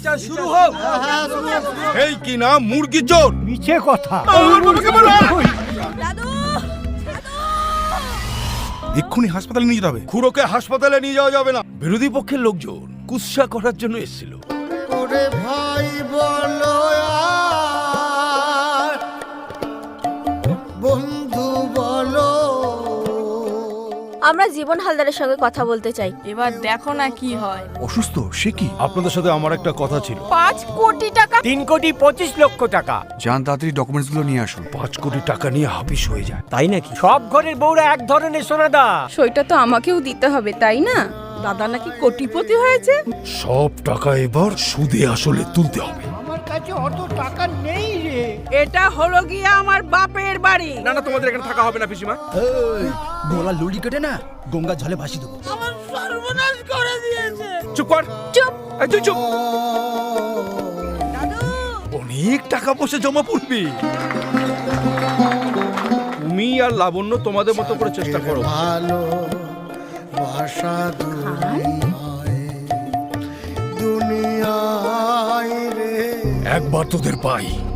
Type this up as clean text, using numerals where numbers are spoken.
বিচার শুরু হোক। এই কি না মুরগি চোর। মিছে কথা। এক্ষুনি হাসপাতালে নিয়ে যেতে হবে। খুড়োকে হাসপাতালে নিয়ে যাওয়া যাবে না, বিরোধী পক্ষের লোকজন কুৎসা করার জন্য এসেছিল। ওরে ভাই বলো আর বন্ধু বলো। আমরা জীবন হালদারের সঙ্গে কথা বলতে চাই। এবার দেখো না কি হয়। অসুস্থ সে কি? আপনাদের সাথে আমার একটা কথা ছিল। 5 কোটি টাকা। 3,25,00,000 টাকা। যান তাড়াতাড়ি ডকুমেন্টস গুলো নিয়ে আসুন। 5 কোটি টাকা নিয়ে হাফিস হয়ে যায়। তাই নাকি? সব ঘরের বউরা এক ধরনের সোনাদা। সইটা তো আমাকেও দিতে হবে, তাই না? দাদা নাকি কোটিপতি হয়েছে। সব টাকা এবার সুদে আসলে তুলতে হবে। আমার কাছে অত টাকা নেই রে। এটা হলো গিয়ে আমার বাপের বাড়ি। না না, তোমাদের এখানে থাকা হবে না পিসিমা। গোলা লুড়ি কেটে না গঙ্গা জলে ভাসি দেবো। আমার সর্বনাশ করে দিয়েছে। চুপ কর। চুপ। এই তুই চুপ। দাদু, অনেক টাকা পয়সা জমা পড়বে। তুমি আর লাবণ্য তোমাদের মতো করে চেষ্টা করো। ভালো বাসা দুনিয়ায় রে। একবার তোদের পাই